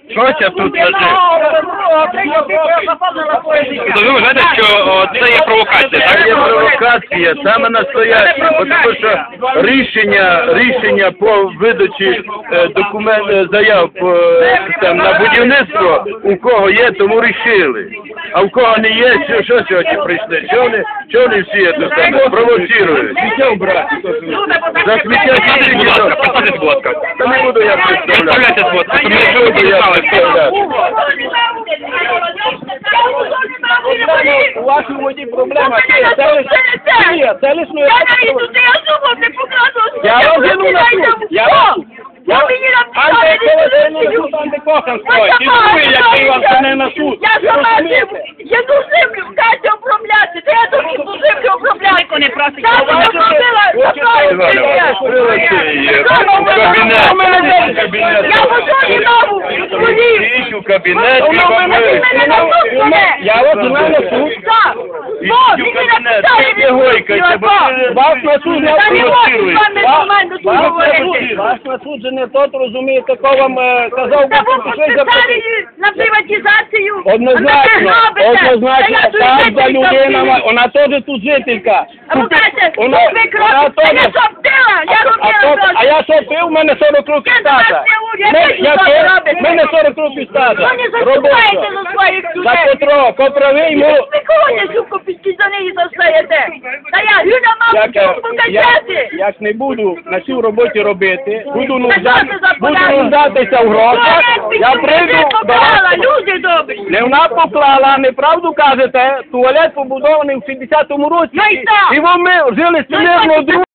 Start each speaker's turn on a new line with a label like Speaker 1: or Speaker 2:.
Speaker 1: Щось тут лежить. То ви вважаєте, що це є провокація, так?
Speaker 2: Це є провокація, саме настояща, тому що рішення по видачі заяв на будівництво у кого є, тому рішили. А в кого не є, що сьогодні прийшли? Чого вони всі це провоцірують? Сміття вбрати. За сміття
Speaker 1: Представтесь, будь ласка.
Speaker 2: Та не буду я представляти.
Speaker 1: Представляйтесь, будь ласка, щоб ми
Speaker 2: Не буду я представляти.
Speaker 3: У вашій воді проблема. Це лише я розгляну на суд. Я антикохан стоїть. І ви, який вам це не на суд.
Speaker 4: Я сама єду землю в хаті обробляти, де я тут ту землю обробляти. Не просить. Я обробила, я в озоні нову.
Speaker 2: Ідіть у кабінет і вам
Speaker 3: Я вас знаю на суд.
Speaker 4: Так.
Speaker 2: ідіть у кабінет, не гойкайте, бо
Speaker 3: Вас на суд не
Speaker 4: Та не можу з вами нормально тут
Speaker 3: Вас
Speaker 4: говорити.
Speaker 3: на суд же не тот розумієте, кого вам казав,
Speaker 4: Та ви
Speaker 3: що пішли за
Speaker 4: підписали на приватизацію.
Speaker 3: Однозначно, так, за людина, вона теж тут жителька.
Speaker 4: А ви кажете,
Speaker 3: Вона
Speaker 4: ви кров,
Speaker 3: теж.
Speaker 4: я соптила, я робила.
Speaker 3: А я що пив, у мене 40 років
Speaker 4: Я до вас
Speaker 3: стажа.
Speaker 4: не уряд, ви що робите?
Speaker 3: У мене 40 років стажа.
Speaker 4: Ви не заступаєте за своїх
Speaker 3: За
Speaker 4: людей.
Speaker 3: Петро, коправий йому.
Speaker 4: Ви кого не сука за неї застаєте? Та я Юля маму покажете.
Speaker 3: Як не буду на цій роботі робити, буду
Speaker 4: Та що це за порядок?
Speaker 3: нуждатися в грошах, я прийду до
Speaker 4: поклала,
Speaker 3: вас.
Speaker 4: люди добрі.
Speaker 3: Не вона поклала, неправду кажете, туалет побудований в 60-му році.
Speaker 4: Ну і що?
Speaker 3: І ми жили
Speaker 4: Ну і
Speaker 3: смирно
Speaker 4: що?
Speaker 3: друг.